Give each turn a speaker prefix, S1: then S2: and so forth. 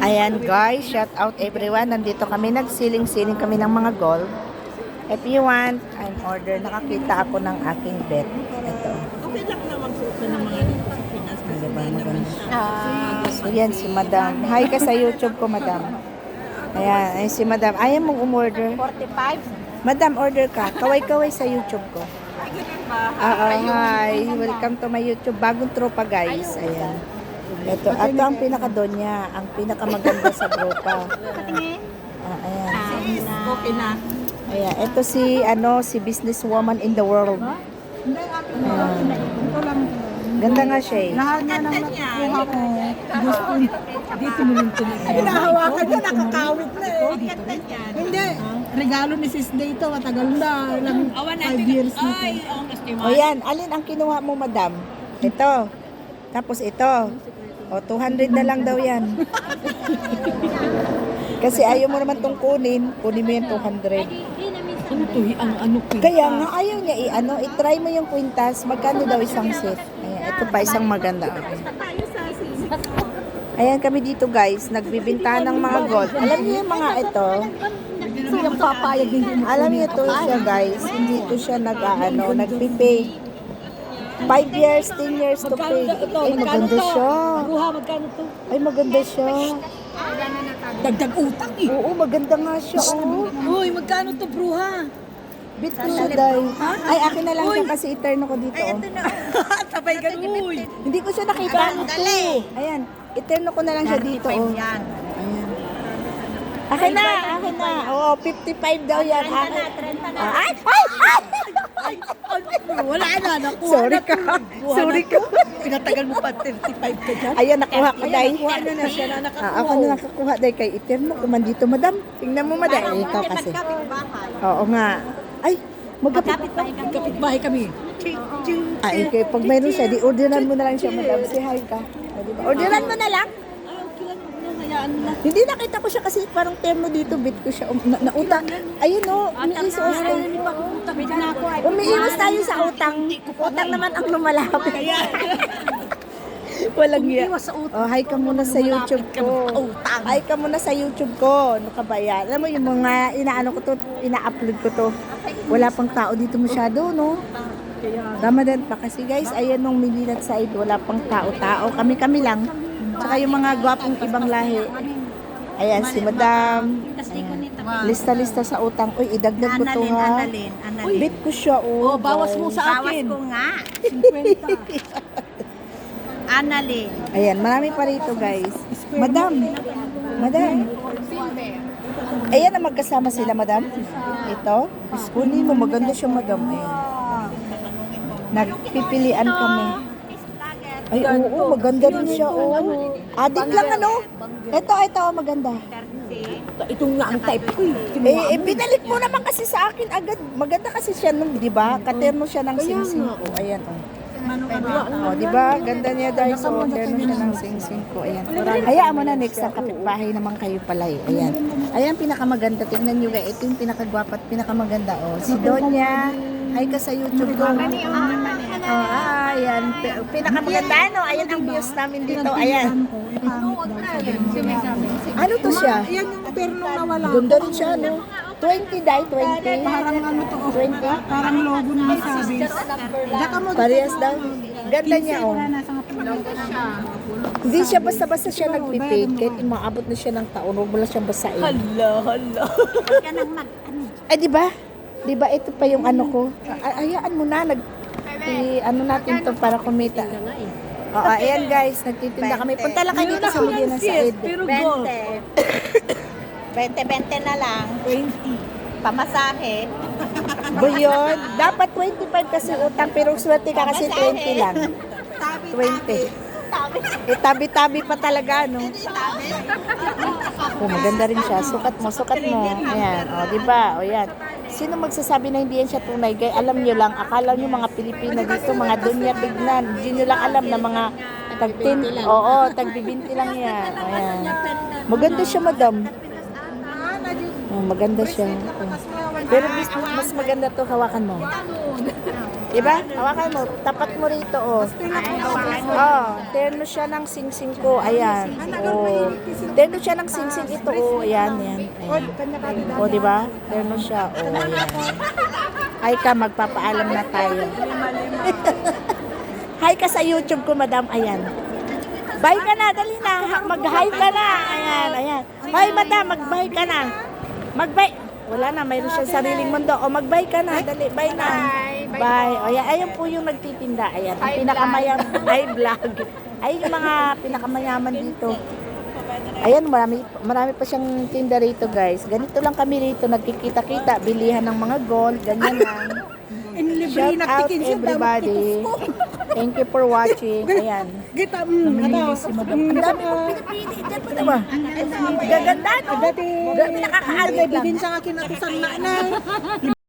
S1: Ayan guys, shout out everyone. Nandito kami, nagsiling-siling kami ng mga gold. If you want, I'm order. Nakakita ako ng aking bet. Ito.
S2: Okay lang na magsuot na ng mga dito sa Pinas kasi
S1: Diba,
S2: hindi naman
S1: maganda.
S2: siya.
S1: So yan si Madam. Hi ka sa YouTube ko, Madam. Ayan, ay si Madam. Ayaw mong umorder.
S3: 45.
S1: Madam, order ka. Kaway-kaway sa YouTube ko. Hi. Welcome to my YouTube. Bagong tropa, guys. Ayan. Ito ang pinaka-donya. Ang pinakamaganda sa tropa. Ayan.
S2: Okay na.
S1: Ayan. Ito si businesswoman in the world. Ayan. Ganda nga siya eh.
S3: Lahat na naman nakukuha ko. Gusto dito mo yung tinigil.
S2: Hinahawakan niya, nakakawit na eh.
S3: Hindi. Regalo ni Sis Day ito. Matagal na. Ilang 5 years na ito.
S1: O yan. Alin ang kinuha mo, Madam? Ito. Tapos ito. O, 200 na lang daw yan. Kasi ayaw mo naman tong kunin. Kunin mo yung 200.
S3: Ano to? Ang ano ko?
S1: Kaya nga ayaw niya i-try mo yung kwintas. Magkano daw isang set? Ayan, ito pa isang maganda. Ayan kami dito guys, nagbibinta ng mga gold. Alam niyo yung mga ito?
S3: Yung papayag din.
S1: Alam niyo ito siya guys, hindi ito siya nagpipay. 5 years, 10 years to pay. Ay, maganda siya.
S3: Ruha, magkano to?
S1: Ay, maganda siya.
S3: Dagdag utang eh.
S1: Oo, maganda nga siya. Oh.
S3: Uy, magkano to, bruha?
S1: Bit ko siya, day. Ay, akin na lang siya kasi eterno ko dito. Oh.
S3: Sabay ka, uy.
S1: Hindi ko siya nakita. Ayan, eterno ko na lang siya dito. Oh. Ayan. Akin na. Oo, 55 daw yan. Akin. Ay!
S3: Wala na, nakuha
S1: Sorry
S3: na.
S1: ka. Sorry ka.
S3: Pinatagal mo pa 35 ka dyan.
S1: Ayan, nakuha ko, day.
S3: Nakuha na siya na nakakuha.
S1: Ako na nakakuha, day, kay eterno. Kuman dito, madam. Tingnan mo, madam. Eh, ikaw kasi. Oo nga. Ay,
S3: Kapit-bahay kami.
S1: Ay, okay. Pag mayroon siya, di orderan mo na lang siya, madam. Say hi ka. O, diba? Orderan mo na lang.
S3: Ay, okay lang. Hayaan mo na.
S1: Hindi nakita ko siya kasi parang terno dito, bit ko siya. Nautang. Ayun o, umiiwas tayo. Umiiwas tayo sa utang. Utang naman ang lumalapit. Walang iya.
S3: Umiiwas sa utang.
S1: Oh, hi ka muna sa YouTube ko. Hi ka muna sa YouTube ko. Ano ka ba yan? Alam mo yung mga ina-upload ko to. Wala pang tao dito masyado, no? Ramadan pa kasi guys, ayan nung Milinat side, wala pang tao-tao. Kami-kami lang. Tsaka yung mga gwapong ibang lahi. Ayan, si Madam. Ayan. Lista-lista sa utang. Uy, idagdag ko to ha. Bit ko siya, oh.
S3: Oh, bawas mo
S1: guys.
S3: sa akin.
S4: nga.
S3: 50.
S4: Annalyn.
S1: Ayan, marami pa rito guys. Madam. Ayan na magkasama sila, Madam. Ito. Kunin mo, maganda siya, Madam. Ayan. Nagpipilian kami. Ay, oo, maganda rin siya, oh. Adik lang, ano? Ito, maganda.
S3: Itong nga ang type ko eh.
S1: Binalik mo naman kasi sa akin agad. Maganda kasi siya nung, di ba? Katerno siya ng sing-sing ko. Ayan, oh. Oh, di ba? Ganda niya dahil so terno siya ng sing-sing ko. Ayan. Hayaan mo na next sa kapitbahay naman kayo pala eh. Ayan. Ayan pinakamaganda. Tingnan niyo guys. Ito yung pinakagwapat, pinakamaganda. Oh, si Donya. Hi ka sa YouTube ko. Ayan. Pinakamaganda ano. Ayan ang views namin dito. Ayan. Ano to siya?
S3: Yan yung ternong nawala.
S1: Ganda rin siya, no? 20 dai, 20.
S3: Parang ano to,
S1: 20.
S3: parang logo na sa base. Daka mo
S1: Parehas daw. Ganda niya, oh. Hindi siya basta-basta siya nagpipake. Kahit umaabot na siya ng taon, huwag mo lang siyang basain.
S3: Hala.
S1: Eh, di ba? Di ba ito pa yung ano ko? Hayaan mo na. Ano natin to para kumita. Oo, ayan guys. Nagtitinda kami. Punta lang kayo dito sa Medina Said.
S3: Pero go.
S4: 20 na lang.
S3: 20.
S4: Pamasahe.
S1: Ba yun? Dapat 25 kasi utang. Pero swerte ka kasi 20 lang. 20. Eh, tabi-tabi pa talaga, no? Oh, maganda rin siya. Sukat mo. Ayan. O, diba? O, yan. Sino magsasabi na hindi yan siya tunay? Kaya alam nyo lang, akala nyo mga Pilipina dito, mga dunya tignan. Hindi nyo lang alam na mga tagbibinti lang yan. Ayan. Maganda siya, madam. Oh, maganda siya. Oh. Pero mas maganda to, hawakan mo. Diba? Hawakan mo. Tapat mo rito, oh. Oh, terno siya ng sing-sing ko. Ayan. Oh. Terno siya ng singsing ito. Oh, ayan, ayan. ayan. O, di ba? Terno siya. O, ayan. Hi ka, magpapaalam na tayo. Hi ka sa YouTube ko, madam. Ayan. Bye ka na, dali na. Mag-hi ka na. Ayan, ayan. Hi, madam, mag-bye ka na. Mag-bye. Wala na, mayroon siya sariling mundo. O, mag-bye ka na. Dali, bye na. Bye. O, ayan po yung nagtitinda. Ayan, ang pinakamayaman. Ay, vlog. Ay, yung mga pinakamayaman dito. Ayan, marami pa siyang tinda rito, guys. Ganito lang kami rito, nagkikita-kita, bilihan ng mga gold, ganyan lang. Shout out everybody. Thank you for watching. Ayan.
S3: Kita,
S1: Namimili si Madam. Ang dami kong pinipili. Diyan mo diba? Gaganda, no?
S3: Dati,
S1: Nakakaalit lang.
S3: din sa akin ako sa nanay.